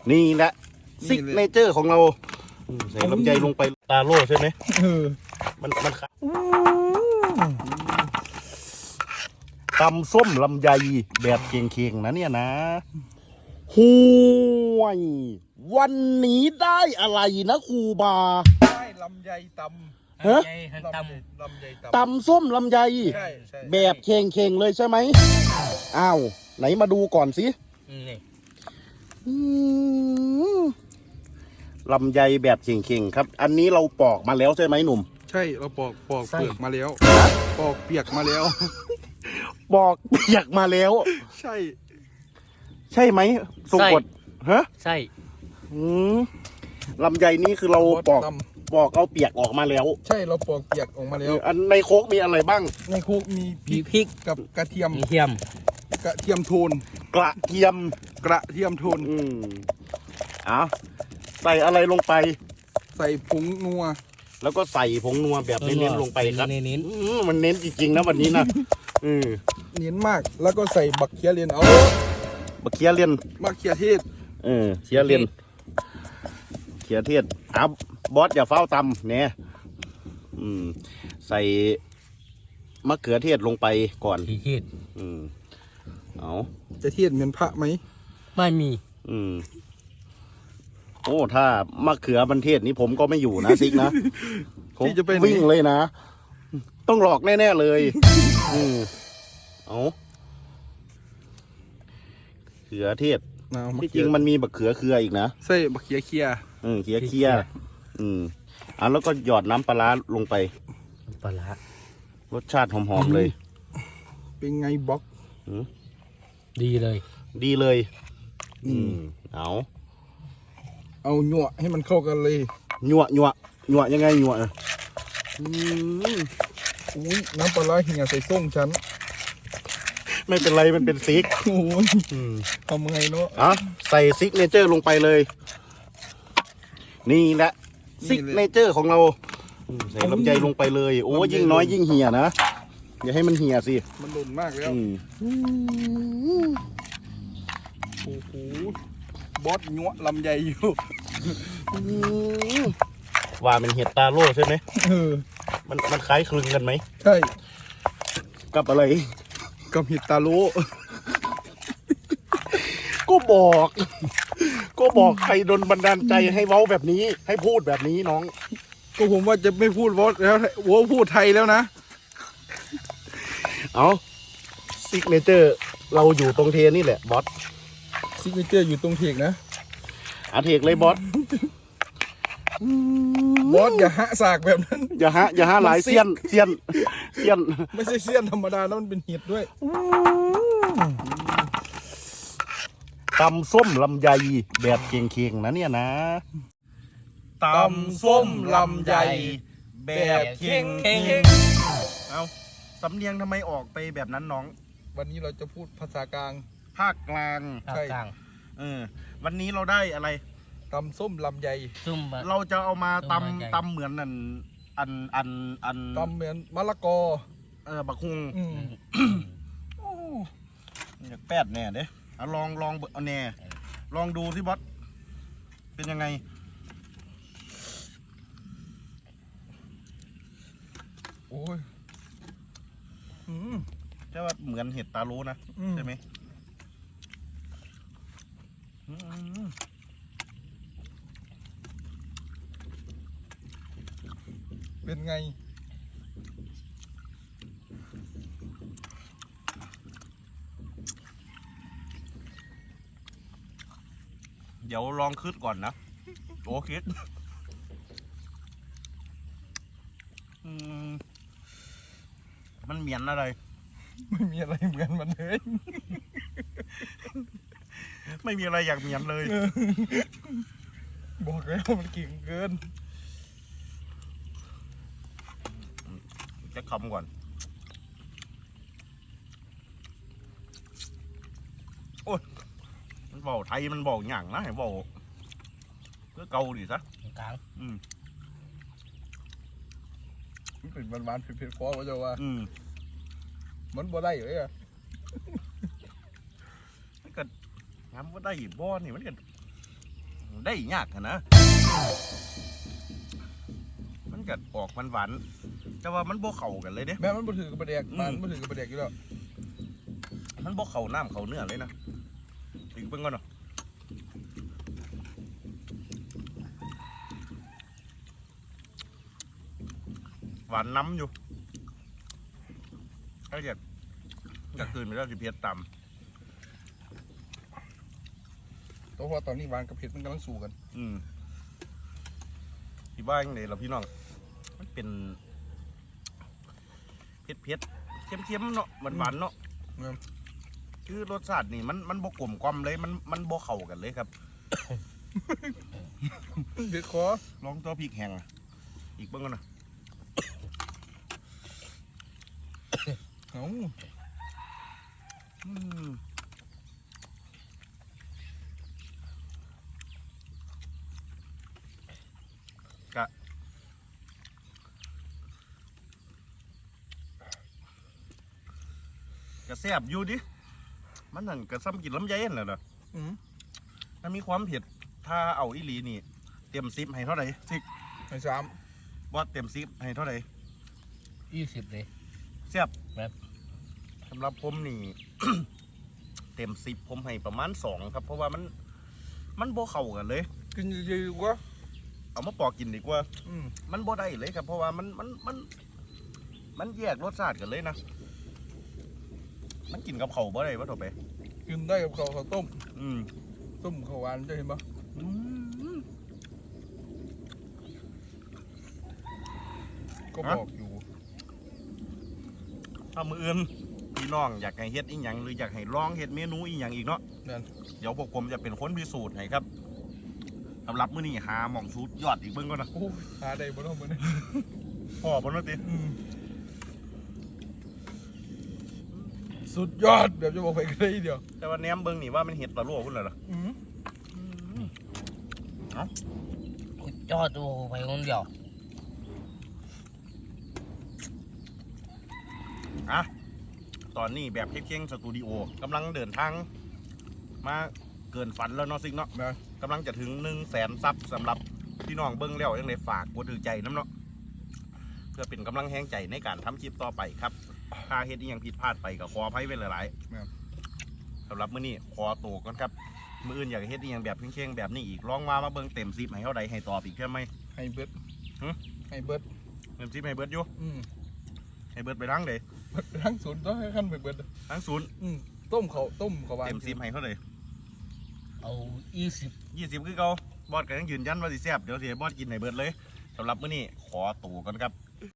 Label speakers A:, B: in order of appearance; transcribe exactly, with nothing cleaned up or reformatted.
A: นี่แหละซิกเนเจอร์ของเราใส่ลำไยลงไปตาโล่ใช่ไหมมันมันตำส้มลำไยแบบเคียงๆนะเนี่ยนะห่วยวันนี้ได้อะไรนะครูบา
B: ได้ลำไยตำ
A: ฮะ
B: ตำลำไยตำ
A: ตำส้มลำไยแบบเคียงๆเลยใช่ไหมอ้าวไหนมาดูก่อนสิลำไยแบบเข่งๆครับอันนี้เราปอกมาแล้วใช่ไหมหนุ่ม
B: ใช่เราปอกปอกเปลือกมาแล้วปอกเปียกมาแล้ว
A: ปอกเปียกมาแล้ว
B: ใช่
A: ใช่ไหมทรงกฎฮะ
C: ใช่
A: ลำไยนี่คือเราปอกปอกเอาเปียกออกมาแล้ว
B: ใช่เราปอกเปียกออกมาแล้ว
A: อันในโคกมีอะไรบ้าง
B: ในโคกมีพริกกับกระเทียม
C: กระเทียม
B: กระเทียมโทน
A: กระเทียม
B: กระเทียมโทน
A: อืมเอาใส่อะไรลงไป
B: ใส่ผงนัว
A: แล้วก็ใส่ผงนัวแบบเน้นๆลงไปครับ
C: เน้น
A: ๆมันเน้นจริงๆนะวันนี้นะอืม
B: เน้นมากแล้วก็ใส่บักเขียเลียนเอา
A: บักเขียเลียน
B: บักเขียเทศ
A: เออเขียเลียนเขียเทศอ่ะบอสอย่าเฝ้าตำเนี่ยอืมใส่มะเขือเทศลงไปก่อน
C: เทศ
A: อืมเอา
B: จะเทศเหมือนพระไหม
C: ไม่มี
A: อืมโอ้ถ้ามะเขือบันเทศนี้ผมก็ไม่อยู่นะซิกนะผมจะไปวิ่งเลยนะต้องหลอกแน่ๆเลยอืมเอาเขือเทศที่จริงมันมีบักเขือเคืออีกนะ
B: ใช่บักเขียเคีย
A: อืมเขียเคียอืมอ่ะแล้วก็หยอดน้ำปลาลงไป
C: ปลาร
A: สชาติหอมๆเลย
B: เป็นไงบล็อก
C: ดีเลย
A: ดีเลยอืมเอา
B: เอาหยวให้มันเข้ากันเลย
A: หยวหยวหยวยังไงหยวอื
B: มอุ้ยน้ำปลาเหี่ยใส่ส้มฉัน
A: ไม่เป็นไรมันเป็นซิก
B: โอ้ยทำไงเนาะ
A: อ่ะใส่ซิกเนเจอร์ลงไปเลยนี่แหละซิกเนเจอร์ของเราใส่ลำไยลงไปเลยโอ้ยิ่งน้อยยิ่งเหี่ยนะอย่าให้มันเหี่ยสิ
B: มันหล่นมากแล้วโอ้โหบอสหยวลำไยอยู่
A: ว่าเป็นเห็ดตาโล่ใช่ไหมเออมันมันคล้ายคลึงกันไหม
B: ใช่
A: กับอะไร
B: กับเห็ดตาโล่
A: ก็บอกก็บอกใครโดนบันดาลใจให้เว้าแบบนี้ให้พูดแบบนี้น้อง
B: ก็ผมว่าจะไม่พูดวอสแล้ววัวพูดไทยแล้วนะ
A: เอาซิกเนเจอร์เราอยู่ตรงเทนี่แหละบอส
B: ซิกเนเจอร์อยู่ตรงเทกนะ
A: อาเทกเลยบอส
B: บอสอย่าหะสากแบบนั้น
A: อย่าหะอย่าหะหลายเซียนเซียนเซียน
B: ไม่ใช่เซียนธรรมดาแล้วมันเป็นเห็ดด้วย
A: ตำส้มลำไยแบบเคียงๆนะเนี่ยนะ
B: ตำส้มลำไยแบบเคียง
A: เอาสำเนียงทำไมออกไปแบบนั้นน้อง
B: วันนี้เราจะพูดภาษากลาง
A: ภาคกลาง
C: ใช่
A: เออวันนี้เราได้อะไร
B: ตำส้มลำไย
A: เราจะเอามาตำตำเหมือนอันอันอันอัน
B: ตำเหมือนมะละกอ
A: เออบักฮุงอยากแปดแน่เด้เอาลองลองเอาแน่ลองดูสิบอสเป็นยังไง
B: โอ้ย
A: ใช่ว่าเหมือนเห็ดตาโลนะใช่ไหม
B: เป็นไง
A: เดี๋ยวลองคืดก่อนนะโอ้คิดมันเหมียนอะไร
B: ไม่มีอะไรเหมือนมันเลย
A: ไม่มีอะไรอยากเหมียนเลย
B: บอกแล้วมันเก่งเกิน
A: จะคำก่อนโอ้ยมันบอกไทยมันบอกหยั่งนะเห็นบอกก็เกาดิซะ
C: กลาง
A: อืม
B: มันเป็นหวานๆเผ็ดๆฟอว่าจะว่า
A: อืม
B: มันบ่ได้เลยอะ
A: มันก็งามบ่ได้บ่นี่มันก็ได้ยากนะมันกัดออกมันหวานแต่ว่ามันบ่เข้ากันเลยเด้
B: แม่มันบ่ถือกับประเด็กมันบ่ถือกับประเด็กอยู่แล้ว
A: มันบ่เข้าน้ำเข้าเนื้อเลยนะอีกเพิ่งก่อนเนาะหวานน้ำอยู่ถ้าเกิดจะคืนไปแล้วสิเพียรต่ำ
B: เพราะว่าตอนนี้หวานกับเผ็ดมันกำลังสู้กัน
A: อืมที่บ้านยังไงเราพี่น้องมันเป็นเผ็ดเผ็ดเค็มเค็มๆเนาะหวานหวานๆเนาะคือรสชาตินี่มันมันบกกลมกล่อมเลยมันมันบกเข้ากันเลยครับ
B: เด็ดคอ
A: ลองตัวพริกแห้งอะอีกเบ้างก่อนนะ
B: เอ้า
A: อืมกะกะแซ่บอยู่ดิมันนั่นกะซ้ำกินลำไยนั่นแหละเนาะ
B: อืม
A: มันมีความเผ็ดถ้าเอาอีหลีนี่เต็มซิปให้เท่าไหร่ซิก
B: ไอ้สาม
A: ว่าเต็มซิปให้เท่าไหร่
C: ยี่สิบเลย
A: แซ่บ
C: แบบ
A: สำหรับผมนี่ เต็มซิปผมให้ประมาณสองครับ เพราะว่ามันมันโบเข้ากันเลย
B: กินเยอะๆกว่า
A: เอามาปอกกินดีกว่า
B: อืม
A: มันบ่ได้เลยครับ เพราะว่ามันมันมันมันแยกรสชาติกันเลยนะ มันกินกับเข่าวบ่ได้วะต่อไป
B: กินได้กับข้าวข้าวต้ม
A: อืม
B: ต้มข้าวหวานจะเห็นปะ
A: อืม
B: ก็บอกอยู่
A: ถ้ามืออื่นพี่น้องอยากให้เฮ็ดอีหยังหรืออยากให้ลองเฮ็ดเมนูอีหยังอีกเนาะ
B: นั่น
A: เดี๋ยวพวกผมจะเป็นคนพิสูจน์ให้ครับสำหรับมื้อนี้หาหม่องสูตรยอดอีกเบิ่งก่อนนะ
B: โอ้ยหาได้บ่เนาะมื้อนี้
A: พ่อบ่เนาะติ
B: อืมสุดยอดแบบจะบอกไปกันเลยทีเดียว
A: แต่ว่าแหนมเบิ่งนี่ว่ามันเฮ็ดตะลั่วพุ่นแล้วล่ะ
B: อืม
C: จอดตัวไปคนเดียว
A: อ่ะตอนนี้แบบเค้งๆสตูดิโอกำลังเดินทางมาเกินฝันแล้วเนาะซิกเนาะ
B: นะ
A: กำลังจะถึงหนึ่งแสนซับสำหรับพี่น้องเบิ้งแล้วยังไงฝากกดถือใจน้ำเนาะเพื่อเป็นกำลังแห้งใจในการทำคลิปต่อไปครับถ้าเฮ็ดอีหยังผิดพลาดไปก็ขออภัยไว้หลายๆสำหรับมื้อนี้ขอตัวก่อนครับมื้ออื่นอยากเฮ็ดอีหยังแบบเค้งๆแบบนี้อีกลองมามาเบิ้งเต็มซิปให้เท่าใดให้ตอบอีกใช่ไหม
B: ให้เบิด
A: หึ
B: ให้เบิด
A: เต็มซิปให้เบิดอยู่
B: อืม
A: ให้เบิดไปทั้งเดย
B: เบิดทั้งศูนย์ต้องให้ขั้นเบิดเบิด
A: ทั้งศูนย์
B: อืมต้มเขาวต้มข้าวหวาน
A: เต็มซิปให้เท่าใด
C: เอายี่สิบ
A: ยี่สิบคือเก่าบอสก็ยังยืนยันว่าสิแซ่บเดี๋ยวสิให้บอสกินให้เบิดเลยสำหรับมื้อนี้ขอตัวก่อนครับ